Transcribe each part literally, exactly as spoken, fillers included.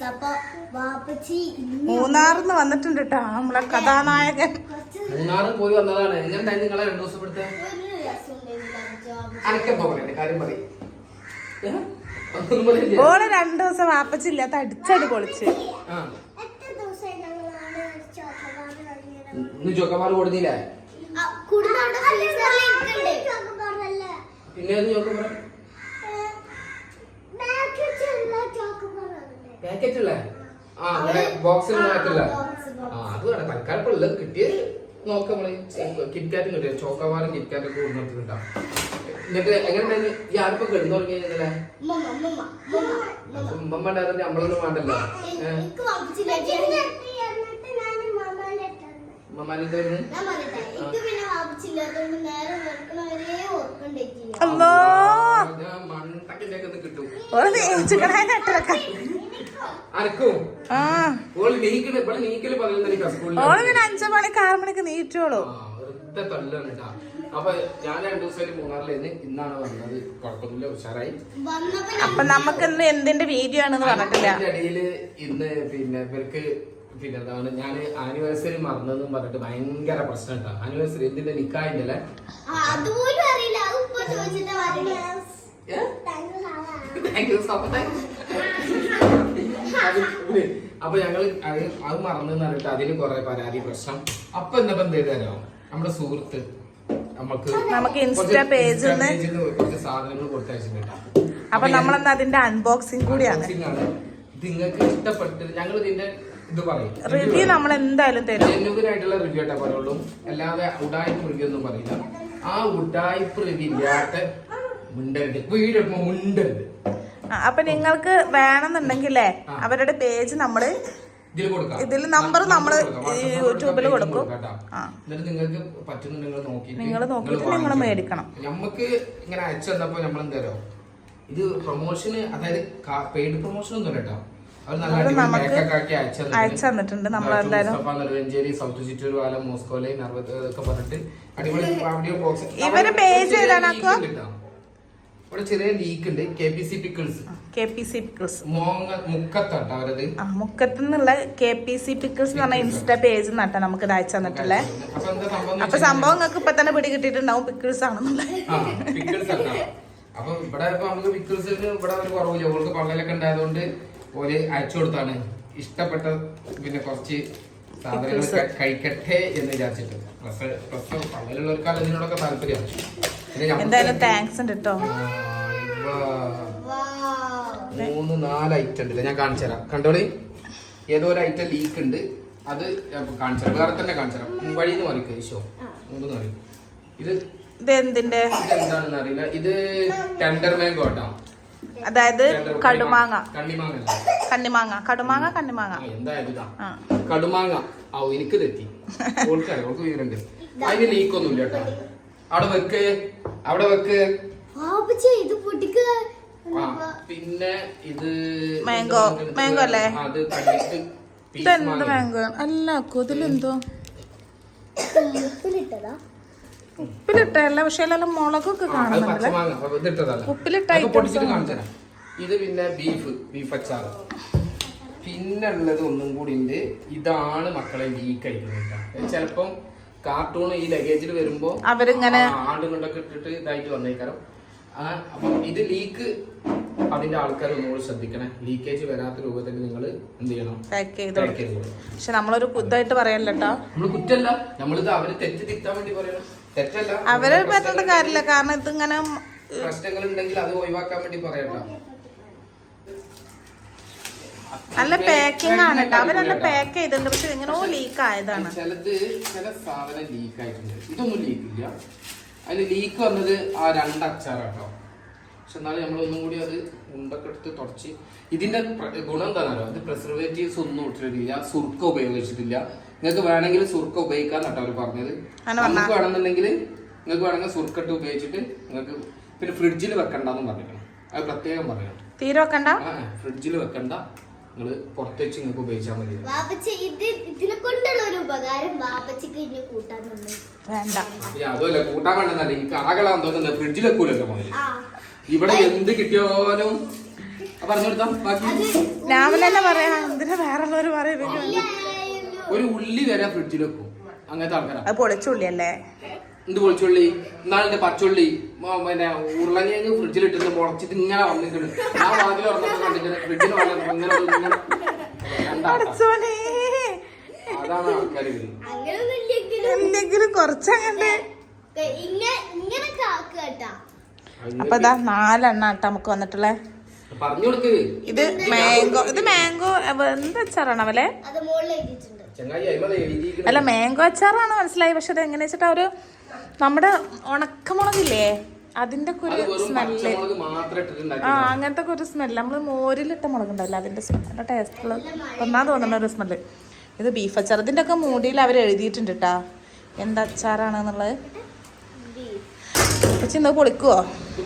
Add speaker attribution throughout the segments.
Speaker 1: മൂന്നാറിന്ന് വന്നിട്ടുണ്ട് കേട്ടോ നമ്മളെ കഥാനായകൻ.
Speaker 2: മൂന്നാറിൽ പോയി വന്നതാണ്. എങ്ങനെയുണ്ടായി നിങ്ങളെ രണ്ടു ദിവസം ഇവിടുത്തെ കാര്യം പറയും?
Speaker 1: ഓള് രണ്ടു ദിവസം വാപ്പച്ചില്ലാത്ത അടിച്ചടി പൊളിച്ച്.
Speaker 2: ചോക്കമാർ കൊടുത്തില്ലേ? പിന്നെ പാക്കറ്റ് ഉള്ള ആ ബോക്സിൽ മാറ്റില്ല. ആ അത് വേണം തൽക്കാലം ഉള്ളത് കിട്ടിയത് നോക്കാം. നമ്മള് കിറ്റ്കാറ്റും കിട്ടിയ ചോക്കമാറും കിറ്റ്കാറ്റൊക്കെ കൊടുത്തിട്ടുണ്ടാവും. എന്നിട്ട് എങ്ങനെ ഈ ആർപ്പൊ കിടന്നു തുടങ്ങിയല്ലേ? ഉമ്മ ഉണ്ടായിരുന്നെ നമ്മളൊന്നും വേണ്ടല്ലോ.
Speaker 1: അഞ്ചു മണിക്ക് ആറു മണിക്ക് നീറ്റോളൂ.
Speaker 2: അപ്പൊ ഞാൻ രണ്ടു ദിവസമായിട്ട് മൂന്നാറിലേന്ന് ഇന്നാണ് വന്നത്. കുഴപ്പമൊന്നുമില്ല, ഉഷാറായി.
Speaker 1: അപ്പൊ നമുക്ക് ഇന്ന് എന്തിന്റെ വീഡിയോ ആണെന്ന് പറഞ്ഞിട്ടില്ല.
Speaker 2: ഇടയില് ഇന്ന് പിന്നെ ഇവർക്ക് പിന്നെ എന്താണ് ഞാൻ ആനിവേഴ്സറി മറന്നെന്നും പറഞ്ഞിട്ട് ഭയങ്കര പ്രശ്നം ഉണ്ടാ. ആനിവേഴ്സറി എന്തിന്റെ നിക്കായിന്റെ അല്ലേ? അപ്പൊ ഞങ്ങള് അത് മറന്നെന്ന് പറഞ്ഞിട്ട് അതിന് കൊറേ പരാതി പ്രശ്നം. അപ്പൊ എന്നപ്പോ എന്തേതോ നമ്മുടെ സുഹൃത്ത് നമുക്ക്
Speaker 1: നമുക്ക് ഇൻസ്റ്റാ പേജിൽ
Speaker 2: കുറച്ച് സാധനങ്ങൾ കൊടുത്തയച്ചിട്ടുണ്ട്.
Speaker 1: അപ്പൊ നമ്മളെന്താ അതിന്റെ അൺബോക്സിംഗ് കൂടിയാണ്.
Speaker 2: ഇത് നിങ്ങൾക്ക് ഇഷ്ടപ്പെട്ട് ഞങ്ങൾ ഇതിന്റെ ഇത് പറയും.
Speaker 1: റിവ്യൂ നമ്മൾ എന്തായാലും തരും.
Speaker 2: ജെന്യുവിനായിട്ടുള്ള റിവ്യൂ ആയിട്ടേ പറയുള്ളൂ, അല്ലാതെ ഉഡായിപ്പ് റിവ്യൂ ഒന്നും പറയില്ല. ആ ഉഡായിപ്പ് റിവ്യൂ ഇല്ലാത്ത മുണ്ടരുത്, വീടെടുക്കുമ്പോ മുണ്ടരുത്.
Speaker 1: അപ്പൊ നിങ്ങൾക്ക് വേണമെന്നുണ്ടെങ്കിലേ അവരുടെ പേജ് നമ്മള് ഇതിൽ നമ്പർ നമ്മള് യൂട്യൂബിൽ കൊടുക്കും.
Speaker 2: നിങ്ങൾക്ക് പറ്റുന്നുണ്ടെങ്കിൽ നോക്കി
Speaker 1: നിങ്ങൾ നോക്കിയിട്ട് നിങ്ങൾ മേടിക്കണം.
Speaker 2: നമുക്ക് ഇങ്ങനെ അയച്ചു തന്നപ്പോ നമ്മൾ എന്തായാലോ ഇത് പ്രൊമോഷന്, അതായത് പെയ്ഡ് പ്രൊമോഷൻ ഒന്നും കേട്ടോ.
Speaker 1: അയച്ചു തന്നിട്ടുണ്ട്. നമ്മൾ എന്തായാലും
Speaker 2: സൗത്ത് ചിറ്റൂർ പാലം മോസ്കോലെ ഒക്കെ പറഞ്ഞിട്ട് അടിപൊളി ബോക്സ്.
Speaker 1: ഇവര് പേജ് ഏതാണോ
Speaker 2: ഇവിടെ ചെറിയ ലീക്ക് ഉണ്ട്. K P C pickles
Speaker 1: K P C pickles
Speaker 2: മുക്കത്താട്ടോ അവരത്.
Speaker 1: മുക്കത്ത് നിന്നുള്ള കെ പി സി പിക്കിൾസ് എന്ന് പറഞ്ഞ ഇൻസ്റ്റാ പേജ് നട്ടാ നമുക്ക് ഇത് അയച്ചു തന്നിട്ടുള്ളേ. അപ്പൊ സംഭവം നിങ്ങൾക്ക് ഇപ്പൊ തന്നെ പിടി കിട്ടിയിട്ടുണ്ടാവും പിക്കിൾസ് ആണെന്നുള്ളത്.
Speaker 2: അപ്പൊ ഇവിടെ ഇപ്പൊ നമുക്ക് പിക്കിൾസിന് ഇവിടെ ഒരു കുറവില്ല. ഓൾക്ക് പള്ളലൊക്കെ ഉണ്ടായതുകൊണ്ട് ഓര് അയച്ചു കൊടുത്താണ്. ഇഷ്ടപ്പെട്ട പിന്നെ കുറച്ച് സാധനങ്ങൾ കഴിക്കട്ടെ എന്ന് വിചാരിച്ചിട്ട്. പ്ലസ് പ്ലസ് പള്ളലുള്ളവർക്കാണ് ഇതിനോടൊക്കെ താല്പര്യമാണ്.
Speaker 1: എന്തായാലും താങ്ക്സ് ഉണ്ട് കേട്ടോ.
Speaker 2: മൂന്ന് നാല് ഐറ്റം ഉണ്ടല്ലേ, ഞാൻ കാണിച്ചു തരാം. കണ്ടോളി, ഏതോ ഒരു ഐറ്റം ലീക്ക് ഉണ്ട്. അത് കാണിച്ചു തരാം, വേറെ തന്നെ കാണിച്ചു തരാം. വഴിന്ന് മറിക്കും ഈശോ മൂന്ന് മറി. ഇത്
Speaker 1: ഇതെന്തിന്റെ
Speaker 2: എന്താണെന്ന് അറിയില്ല. ഇത് ടെൻഡർ മാംഗോ കേട്ടോ,
Speaker 1: അതായത് കടുമാങ്ങ.
Speaker 2: കണ്ണിമാങ്ങ
Speaker 1: കണ്ണിമാങ്ങ കടുമാങ്ങ കണ്ണിമാങ്ങ
Speaker 2: എന്തായാലും കടുമാങ്ങ. ഓ എനിക്ക് തെറ്റി, ഓൾക്കാണ് ഓൾക്ക് വീടുണ്ട്. അതിന് ലീക്ക് ഒന്നും ഇല്ല കേട്ടോ. അവിടെ വെക്ക്, അവിടെ വെക്ക്. പിന്നെ ഇത്
Speaker 1: മാംഗോ മാംഗോ അല്ലേ?
Speaker 2: അത്
Speaker 1: ഇതെന്ത് മാംഗോ അല്ല, ഇതിലെന്തോ ഉപ്പിലിട്ടല്ല, പക്ഷെ എല്ലാം മുളകൊക്കെ കാണുന്നുണ്ടല്ലേ. ഉപ്പിലിട്ട
Speaker 2: ഇത് പിന്നെ ബീഫ് ബീഫ് അച്ചാറ്. പിന്നെ ഉള്ളത് ഒന്നും കൂടി ഉണ്ട്. ഇതാണ് മക്കളെ ലീക്ക് ആയിട്ട്. ചിലപ്പം കാർട്ടൂൺ ഈ ലഗേജിൽ വരുമ്പോ
Speaker 1: അവരിങ്ങനെ
Speaker 2: ആണ്ടും കൊണ്ടൊക്കെ ഇട്ടിട്ട് ഇതായിട്ട് വന്നേക്കാരം. അപ്പം ഇത് ലീക്ക് അതിന്റെ ആൾക്കാർ ഒന്നുകൂടി ശ്രദ്ധിക്കണേ. ലീക്കേജ് വരാത്ത രൂപത്തിൽ നിങ്ങൾ എന്ത് ചെയ്യണം,
Speaker 1: പാക്ക് ചെയ്ത്. പക്ഷെ നമ്മളൊരു കുത്തായിട്ട് പറയല്ലോ കേട്ടോ.
Speaker 2: നമ്മള് കുറ്റല്ല, നമ്മളിത് അവര് തെറ്റ് തിരുത്താൻ വേണ്ടി പറയണം. തെറ്റല്ല,
Speaker 1: അവര് പറ്റുന്ന കാര്യമില്ല. കാരണം ഇതിങ്ങനെ
Speaker 2: പ്രശ്നങ്ങൾ ഉണ്ടെങ്കിൽ അത് ഒഴിവാക്കാൻ വേണ്ടി പറയട്ടോ.
Speaker 1: നല്ല പാക്കിംഗ് ആണ് കേട്ടോ. അവരല്ല പാക്ക് ചെയ്തിട്ടുണ്ട്, പക്ഷെ എങ്ങനെയോ ലീക്ക് ആയതാണ്.
Speaker 2: ചിലത് ചില സാധനം ലീക്ക് ആയിട്ടുണ്ട്. ഇതൊന്നും ലീക്ക് ഇല്ല. അതിൽ ലീക്ക് വന്നത് ആ രണ്ട് അച്ചാറാട്ടോ. പക്ഷെ എന്നാലും നമ്മളൊന്നും കൂടി അത് ഉണ്ടൊക്കെ എടുത്ത് തുടച്ച്. ഇതിന്റെ ഗുണം എന്താണല്ലോ, ഇത് പ്രിസർവേറ്റീവ്സ് ഒന്നും ഇട്ടിട്ടില്ല, സുർക്ക ഉപയോഗിച്ചിട്ടില്ല. നിങ്ങൾക്ക് വേണമെങ്കിൽ സുർക്ക ഉപയോഗിക്കാൻ കേട്ടോ അവർ പറഞ്ഞത്. നമുക്ക് വേണമെന്നുണ്ടെങ്കിൽ നിങ്ങൾക്ക് വേണമെങ്കിൽ സുർക്ക ഇട്ട് ഉപയോഗിച്ചിട്ട് നിങ്ങൾക്ക് പിന്നെ ഫ്രിഡ്ജിൽ വെക്കണ്ടെന്ന് പറഞ്ഞിരിക്കണം. അത് പ്രത്യേകം പറയണം.
Speaker 1: തീരെ വെക്കണ്ട,
Speaker 2: ഫ്രിഡ്ജിൽ വെക്കണ്ട, നിങ്ങൾ പുറത്ത് വെച്ച് നിങ്ങൾക്ക് ഉപയോഗിച്ചാൽ മതി. അതുമല്ല കൂട്ടാൻ വേണ്ടെന്നല്ല, എനിക്ക് ആകളാൻ തോന്നുന്നത് ഫ്രിഡ്ജിൽ വെക്കൂലല്ലോ മതി. ഇവിടെ എന്ത് കിട്ടിയാലും പറഞ്ഞു കൊടുത്താ ബാക്കി
Speaker 1: ഞാൻ തന്നെ പറയാ എന്തിനാ വേറെ ഉള്ളവര് പറയുന്നത്
Speaker 2: ഒരു ഉള്ളി വരെ ഫ്രിഡ്ജിൽ വെക്കും അങ്ങനത്തെ ആൾക്കാരാ.
Speaker 1: അത് പൊളിച്ചുള്ളിയല്ലേ?
Speaker 2: എന്ത് പൊളിച്ചുള്ളി? എന്നാളിന്റെ പച്ചുള്ളി പിന്നെ ഉരുളങ്ങിയങ്ങ് ഫ്രിഡ്ജിൽ ഇട്ടിട്ട് മുളച്ചിട്ട് ഇങ്ങനെ വന്നിട്ടുണ്ട്. ആ വാതിൽ തുറന്നപ്പോ കണ്ടിട്ട് ഫ്രിഡ്ജിന് ഇങ്ങനെ അതാണ് ആൾക്കാർ.
Speaker 1: എന്തെങ്കിലും കുറച്ചങ്ങണ്ട്. അപ്പൊ ഇതാ നാലെണ്ണ ആട്ട നമുക്ക് വന്നിട്ടുള്ളേ.
Speaker 2: പറഞ്ഞു കൊടുക്ക്.
Speaker 1: ഇത് മാംഗോ. ഇത് മാംഗോ എന്ത് അച്ചാറാണ് അവലെ? അല്ല മാംഗോ അച്ചാറാണ് മനസ്സിലായി. പക്ഷെ അത് എങ്ങനെ വെച്ചിട്ട് ഒരു നമ്മുടെ ഉണക്കമുളകില്ലേ അതിന്റെ ഒക്കെ ഒരു സ്മെല്ല്. ആ അങ്ങനത്തെ ഒക്കെ ഒരു സ്മെല്ല്. നമ്മള് മോരിലിട്ട മുളക് ഉണ്ടല്ലോ അതിന്റെ സ്മെല്ല് ടേസ്റ്റുള്ള ഒന്നാ തോന്നുന്ന ഒരു സ്മെല്ല്. ഇത് ബീഫ് അച്ചാർ. ഇതിന്റെ ഒക്കെ മൂടിയിൽ അവർ എഴുതിയിട്ടുണ്ട് കേട്ടാ എന്ത് അച്ചാറാണെന്നുള്ളത്. പക്ഷെ ഇന്ന് പൊളിക്കുവോ?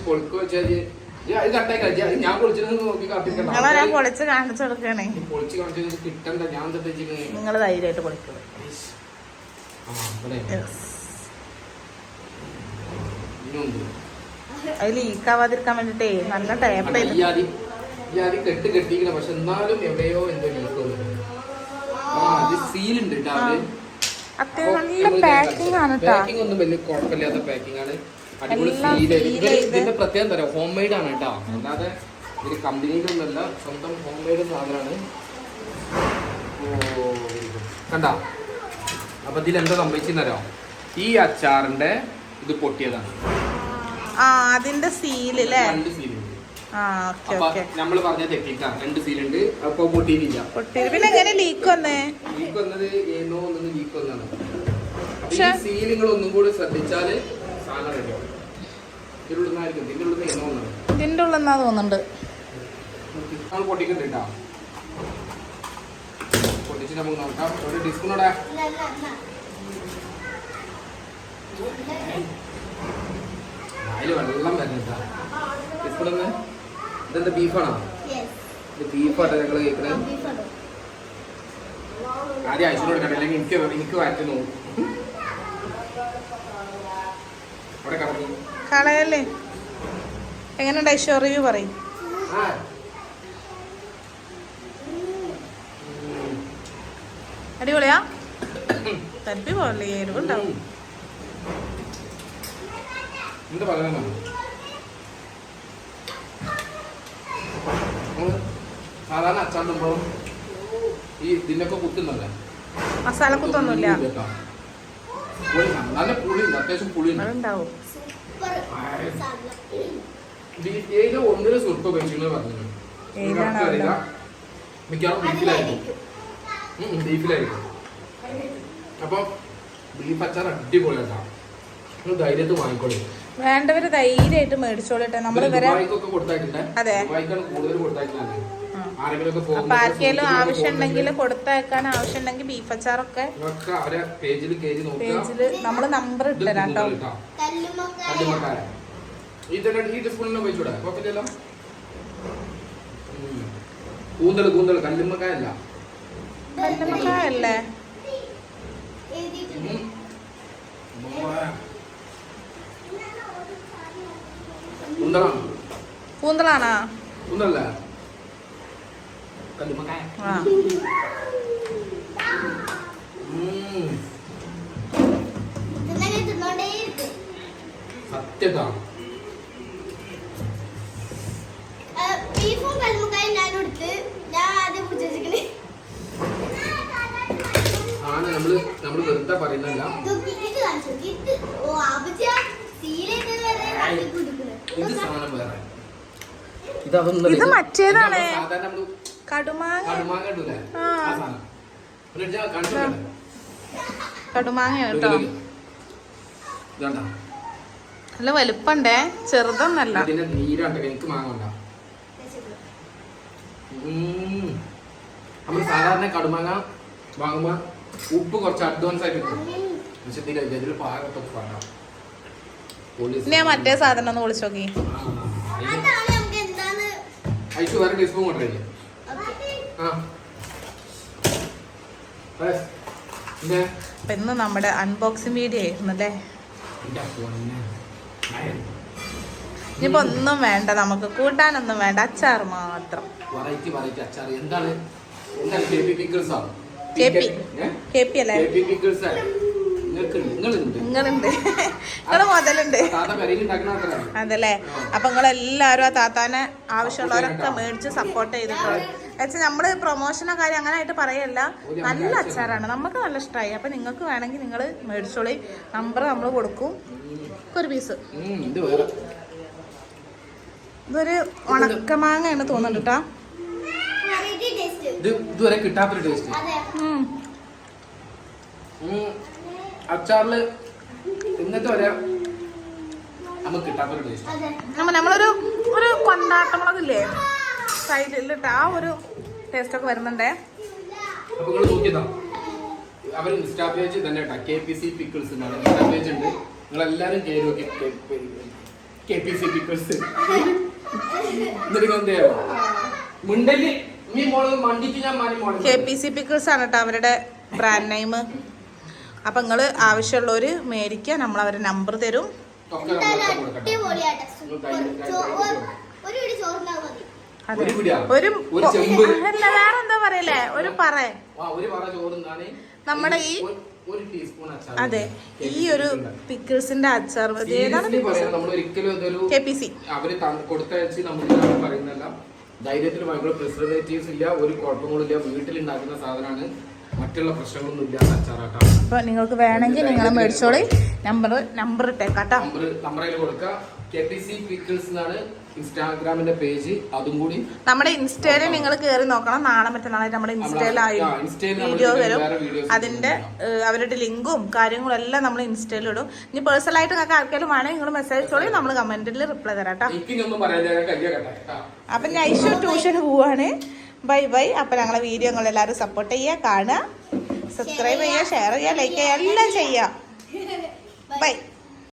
Speaker 1: നിങ്ങളെ ഞാൻ പൊളിച്ച് കാണിച്ചു കൊടുക്കണേ. നിങ്ങൾ ധൈര്യമായിട്ട് പൊളിക്കുക. അത് ലീക്കാവാതിരിക്കാൻ വേണ്ടിട്ടേ നല്ല ടേപ്പ്
Speaker 2: കെട്ട് കെട്ടിക്കണം. പക്ഷെ എന്നാലും എവിടെയോ എന്തോ സീലുണ്ട്.
Speaker 1: അത്യാവശ്യം നല്ല പാക്കിംഗ് ആണ്.
Speaker 2: പാക്കിംഗ് ഒന്നും വലിയ കുഴപ്പമില്ലാത്ത പാക്കിംഗ് ആണ്. അടിപൊളി സീല്. ഇതിന്റെ പ്രത്യേകം തരാം ഹോം മെയ്ഡ് ആണ് കേട്ടോ. അല്ലാതെ ഒരു കമ്പനിയിലൊന്നുമല്ല, സ്വന്തം ഹോം മെയ്ഡ് സാധനമാണ്. ഓ കണ്ടാ. അപ്പൊ ഇതിൽ എന്താ സംഭവിച്ചെന്നറിയോ? ഈ അച്ചാറിന്റെ ഇത് പൊട്ടിയതാണ്.
Speaker 1: ആ അതിന്റെ സീല് രണ്ട്
Speaker 2: സീലുണ്ട്. നമ്മള് പറഞ്ഞ തെറ്റിക്കാ. രണ്ട് സീലുണ്ട്. അപ്പൊ പൊട്ടിയില്ല.
Speaker 1: പിന്നെ എങ്ങനെ ലീക്ക് വന്നേ?
Speaker 2: ലീക്ക് വന്നത് ഏനോ ഒന്നും ലീക്ക് വന്നാണ്. ഈ സീൽ നിങ്ങൾ ഒന്നും കൂടി ശ്രദ്ധിച്ചാല് സാധനം റെഡിയാവും. ഇതിന്റെ ഉള്ളിൽ ഇതിന്റെ ഉള്ളിൽ ഏനോ ഒന്നാണ്.
Speaker 1: ഇതിന്റെ ഉള്ളിൽ എന്നാ തോന്നുന്നുണ്ട്.
Speaker 2: നമ്മൾ പൊട്ടിക്കണ്ട കേട്ടോ. പൊട്ടിച്ച് നമുക്ക് നോക്കാം. ഒരു ഡിസ്കൂടെ അതില് വെള്ളം വരുന്നുണ്ടാ. ഡിസ്കൂടെ ഇതെന്താ ബീഫാണോ? ഇത് ബീഫാട്ടോ ഞങ്ങൾ കേൾക്കണേ. ആദ്യം അയച്ചിനോട് കണ്ടു. അല്ലെങ്കിൽ എനിക്ക് എനിക്ക് വാറ്റി നോക്കും. അവിടെ കടക്കും
Speaker 1: കളയല്ലേ. എങ്ങനെയുണ്ട് ഐശ്വര്യ റിവ്യൂ പറയും. അടിപൊളിയാ. തപ്പി പോലെ എരിവുണ്ടാവും.
Speaker 2: എന്താ പറയുക? സാധാരണ അച്ചാണ്ടുമ്പോ ഈ ഇതിനൊക്കെ കുത്തുന്നല്ലേ,
Speaker 1: മസാല കുത്തൊന്നുമില്ല.
Speaker 2: നല്ല പുളിയുണ്ട്, അത്യാവശ്യം പുളിയുണ്ട്. ഒന്നിനും സുർപ്പ കഴിച്ചു പറഞ്ഞു. മിക്കവാറും ബീഫിലായിരിക്കും. ബീഫിലായിരിക്കും. അപ്പൊ ബീഫ് അച്ചാർ അടിപൊളിയാക്കാം. ധൈര്യത്ത് വാങ്ങിക്കോളൂ.
Speaker 1: വേണ്ടവര് ധൈര്യമായിട്ട് മേടിച്ചോളട്ടെ. നമ്മള് അതെ അപ്പൊ ആർക്കെങ്കിലും ആവശ്യം ഉണ്ടെങ്കിൽ കൊടുത്തയക്കാൻ ആവശ്യം ഉണ്ടെങ്കിൽ ബീഫ് അച്ചാറൊക്കെ പേജില് നമ്മള് നമ്പർ ഇട്ടരാം കേട്ടോ.
Speaker 2: കൂന്തൽ കൂന്തൽ കല്ലുമ്മക്കായല്ല,
Speaker 1: കല്ലുമ്മക്കായല്ലേ? കൂന്തളാണോ?
Speaker 2: കൂന്തലല്ല, കല്ലുമ്മക്കായ. സത്യതാ
Speaker 3: ബീഫും കല്ലുമ്മക്കായും ഞാൻ എടുത്ത് ഞാൻ ആദ്യം പിടിച്ചിരിക്കണേ.
Speaker 2: ആണ് നമ്മള് നമ്മള് വെറുതെ പറയുന്നല്ല. ഇത് സാധനം വേറെ,
Speaker 1: ഇത് മറ്റേതാണ് കടുമാങ്ങ.
Speaker 2: കടുമാങ്ങ ഇടൂലേ ആ സാധനം.
Speaker 1: കടുമാങ്ങ കേട്ടോ. നല്ല വലുപ്പണ്ടേ, ചെറുതൊന്നല്ല.
Speaker 2: ഇതിന്റെ നീരാണ്ട് എനിക്ക് മാങ്ങണ്ട. നമ്മള് സാധാരണ കടുമാങ്ങ വാങ്ങുമ്പോ ഉപ്പ് കുറച്ച് അഡ്വാൻസ് ആയിട്ട് കിട്ടും. പക്ഷെ ഇതിൽ പാകത്തൊക്കെ പാടാം.
Speaker 1: ഞാൻ മറ്റേ സാധനം ഒന്ന് വിളിച്ചു നോക്കി.
Speaker 2: ഐശു വേറെ ടീസ്പൂൺ കൊണ്ടുവരില്ലേ?
Speaker 1: അപ്പൊ ഇന്ന് നമ്മുടെ അൺബോക്സിംഗ് വീഡിയോ ആയിരുന്നു അല്ലേ. ഇനിയിപ്പോ ഒന്നും വേണ്ട, നമുക്ക് കൂട്ടാനൊന്നും വേണ്ട, അച്ചാർ മാത്രം.
Speaker 2: വെറൈറ്റി വെറൈറ്റി അച്ചാർ. എന്താണ് എന്താണ് ബേബി പിക്കിൾസ് ആണ്.
Speaker 1: കെ പി കെ പി അല്ലേ?
Speaker 2: ബേബി പിക്കിൾസ് ആണ്. നിങ്ങൾക്ക് നിങ്ങളുണ്ട്
Speaker 1: നിങ്ങളുണ്ട് നിങ്ങള് മുതലുണ്ട്.
Speaker 2: താത്ത പെരയിൽ ഉണ്ടാക്കുന്ന ആൾക്കാരാണ്.
Speaker 1: അതല്ലേ? അപ്പൊ നിങ്ങളെല്ലാരും ആ താത്താനെ ആവശ്യമുള്ളവരൊക്കെ മേടിച്ച് സപ്പോർട്ട് ചെയ്തിട്ടുള്ളത്. വെച്ചാൽ നമ്മള് പ്രൊമോഷനോ കാര്യം അങ്ങനെ ആയിട്ട് പറയല്ല, നല്ല അച്ചാറാണ്, നമുക്ക് നല്ല ഇഷ്ടമായി. അപ്പൊ നിങ്ങൾക്ക് വേണമെങ്കിൽ നിങ്ങൾ മേടിച്ചോളി, നമ്പർ നമ്മൾ കൊടുക്കും. ഒരു പീസ്
Speaker 2: ഇത് വേറെ
Speaker 1: ഇതൊരു ഉണക്കമാങ്ങയാണ് തോന്നുന്നുണ്ട് കേട്ടോ.
Speaker 2: ഇത് ഇതുവരെ കിട്ടാത്തൊരു ടേസ്റ്റ്. അച്ചാറില് ഇന്നത്തെ വരെ നമുക്ക് കിട്ടാത്തൊരു ടേസ്റ്റ്.
Speaker 1: നമ്മളൊരു ഒരു കൊണ്ടാട്ടമുളകില്ലേ സൈഡിലിട്ട് ആ ഒരു ടേസ്റ്റ് ഒക്കെ വരുന്നുണ്ടേ.
Speaker 2: അപ്പൊ നിങ്ങൾ നോക്കിയതാ അവർ ഇൻസ്റ്റാ പേജ് തന്നെ കേട്ടോ, കെ പി സി പിക്കിൾസ് എന്നാണ് ഇൻസ്റ്റാ പേജ് ഉണ്ട്. നിങ്ങളെല്ലാരും കയറി നോക്കി കെ പി സി പിക്കിൾസ്. എന്നിട്ട് എന്ത് ചെയ്യാമോ മുണ്ടല് നീ മോള് മണ്ടിക്ക് ഞാൻ മാറി മോളെ
Speaker 1: കെ പി സി പിക്കിൾസ് ആണ് കേട്ടോ അവരുടെ ബ്രാൻഡ് നെയിം. അപ്പൊ നിങ്ങള് ആവശ്യമുള്ളവര് മേടിക്കുക, നമ്മൾ അവരുടെ നമ്പർ തരും. ഒരു അല്ല വേറെ എന്താ പറയല്ലേ, ഒരു പറ നമ്മുടെ ഈ അതെ ഈ ഒരു പിക്കിൾസിന്റെ അച്ചാർ കെ പി സി
Speaker 2: അവര് കൊടുത്തയച്ച് നമുക്ക് പറയുന്നല്ല. ധൈര്യത്തിൽ ഭയങ്കര പ്രിസർവേറ്റീവ്സ് ഇല്ല, ഒരു കുഴപ്പങ്ങളും ഇല്ല, വീട്ടിൽ ഉണ്ടാക്കുന്ന സാധനമാണ്, മറ്റുള്ള പ്രശ്നങ്ങളൊന്നും ഇല്ലാത്ത അച്ചാറാട്ടോ.
Speaker 1: അപ്പൊ നിങ്ങൾക്ക് വേണമെങ്കിൽ നിങ്ങൾ മേടിച്ചോളി. നമ്പർ നമ്പർ ഇട്ടേക്കാട്ടോ.
Speaker 2: നമ്പർ നമ്പറിൽ കൊടുക്കുക. കെ പി സി പിക്കിൾസ് എന്നാണ് ഇൻസ്റ്റാഗ്രാമിന്റെ പേജ്. അതും കൂടി നമ്മുടെ
Speaker 1: ഇൻസ്റ്റയില് നിങ്ങൾ കയറി നോക്കണം. നാളെ മറ്റന്നാളായിട്ട് നമ്മുടെ ഇൻസ്റ്റയിലായി വീഡിയോ വരും. അതിന്റെ അവരുടെ ലിങ്കും കാര്യങ്ങളും എല്ലാം നമ്മൾ ഇൻസ്റ്റയിൽ ഇടും. ഇനി പേഴ്സണൽ ആയിട്ട് നിങ്ങൾക്ക് ആർക്കെങ്കിലും വേണമെങ്കിൽ നിങ്ങൾ മെസ്സേജ് ചോളി, നമ്മൾ കമന്റിൽ റിപ്ലൈ തരാട്ടോ. അപ്പൊ ഞാൻ ഐഷു ട്യൂഷന് പോവാണ്. Bye bye. അപ്പൊ ഞങ്ങളെ വീഡിയോ നിങ്ങൾ എല്ലാവരും സപ്പോർട്ട് ചെയ്യുക, കാണുക, സബ്സ്ക്രൈബ് ചെയ്യുക, ഷെയർ ചെയ്യുക, ലൈക്ക് ചെയ്യുക, എല്ലാം ചെയ്യുക. ബൈ.